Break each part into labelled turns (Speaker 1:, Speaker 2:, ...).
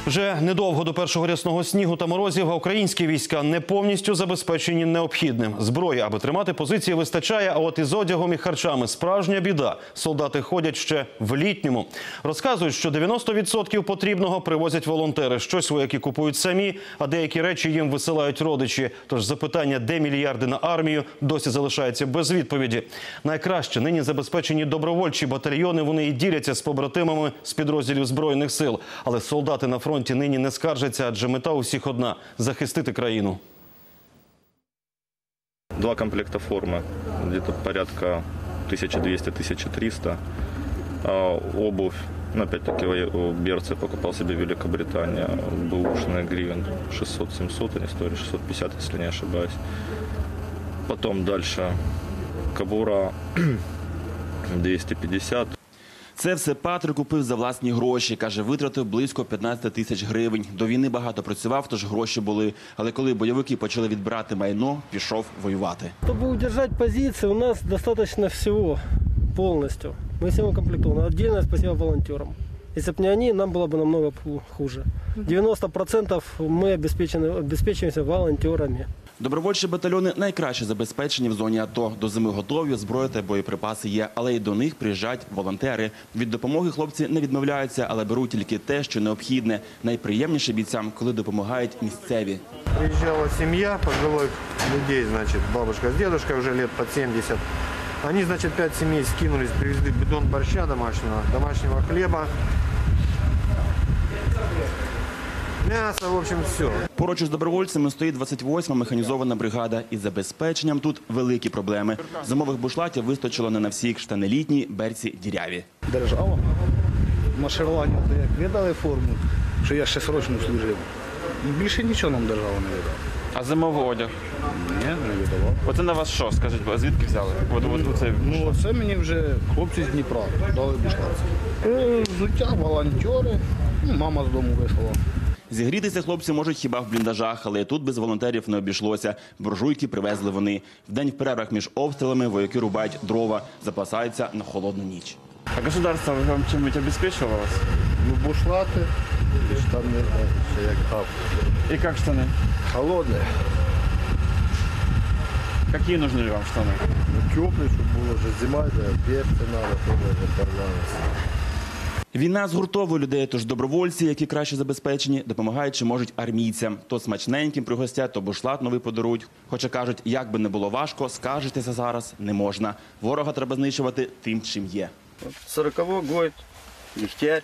Speaker 1: Вже недовго до першого рясного снігу та морозів, а українські війська не повністю забезпечені необхідним. Зброї, аби тримати позиції, вистачає, а от із одягом і харчами справжня біда. Солдати ходять ще в літньому. Розказують, що 90% потрібного привозять волонтери. Щось вояки купують самі, а деякі речі їм висилають родичі. Тож запитання, де мільярди на армію, досі залишається без відповіді. Найкраще нині забезпечені добровольчі батальйони, вони і діляться з побратимами з підрозділів Збройних сил. Але солдати на фронті нині не скаржаться, адже мета у всіх одна – захистити країну.
Speaker 2: 2 комплекта формы, где-то порядка 1200-1300. Обувь, опять-таки, берцы покупал себе в Великобритании, бэушная гривен 600-700, они стоили 650, если не ошибаюсь. Потом дальше кобура 250.
Speaker 3: Це все Патрик купив за власні гроші. Каже, витратив близько 15 тисяч гривень. До війни багато працював, тож гроші були. Але коли бойовики почали відбирати майно, пішов воювати.
Speaker 4: Щоб удержати позиції, у нас достатньо всього повністю. Ми всім укомплектованы. Отдельное спасибо волонтерам. Если бы не они, нам было бы намного хуже. 90% мы обеспечиваемся волонтерами.
Speaker 3: Добровольчі батальйони найкраще забезпечені в зоні АТО. До зими готові, зброя та боєприпаси є, але й до них приїжджають волонтери. Від допомоги хлопці не відмовляються, але беруть тільки те, що необхідне. Найприємніше бійцям, коли допомагають місцеві.
Speaker 5: Приезжала семья пожилых людей, значит, бабушка с дедушкой уже лет под 70. Они, значит, 5 семей скинулись, привезли бидон борща домашнего хлеба, мясо, в общем, все.
Speaker 3: Поруч із добровольцями стоїть 28-ма механізована бригада. Із забезпеченням тут великі проблеми. Зимових бушлатів вистачило не на всіх, штани літні, берці діряві.
Speaker 6: Держава марширування, як видали форму, що я ще срочно служив. Більше нічого нам держава не видала.
Speaker 7: А зимовий одяг?
Speaker 6: Ні, не видавав.
Speaker 7: Оце на вас що, скажіть, а звідки взяли?
Speaker 6: Це мені вже хлопці з Дніпра дали бушлат. Взуття, волонтери, мама з дому вислала.
Speaker 3: Зігрітися хлопці можуть хіба в бліндажах, але тут без волонтерів не обійшлося. Буржуйки привезли вони. Вдень в перервах між обстрілами вояки рубають дрова, запасаються на холодну ніч.
Speaker 7: А государство вам чим-нибудь обеспечивало вас?
Speaker 6: Ну, бушлати, штани, ще як гав.
Speaker 7: И как штаны?
Speaker 6: Холодне.
Speaker 7: Какие нужны вам штаны?
Speaker 6: Теплі, щоб було вже зима, берці треба, парламент.
Speaker 3: Війна згуртовує людей, тож добровольці, які краще забезпечені, допомагають чи можуть армійцям. То смачненьким пригостять, то бушлат новий подарують. Хоча кажуть, як би не було важко, скаржитися зараз не можна. Ворога треба знищувати тим, чим є.
Speaker 8: 40-й год, Дегтярь.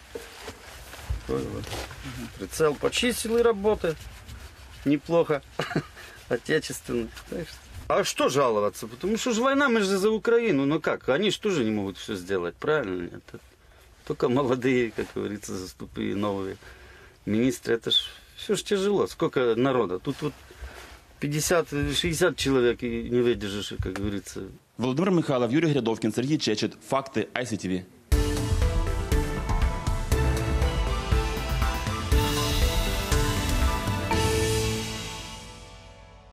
Speaker 8: Прицел почистил и работает. Неплохо. Отечественный. А что жаловаться? Потому что же война, мы же за Украину. Ну как? Они же тоже не могут все сделать, правильно? Это только молодые, как говорится, заступы новые министры. Это ж все ж тяжело. Сколько народа? Тут вот 50-60 человек и не выдержишь, как говорится.
Speaker 3: Володимир Михайлов, Юрій Грядовкін, Сергій Чечет. Факти ICTV.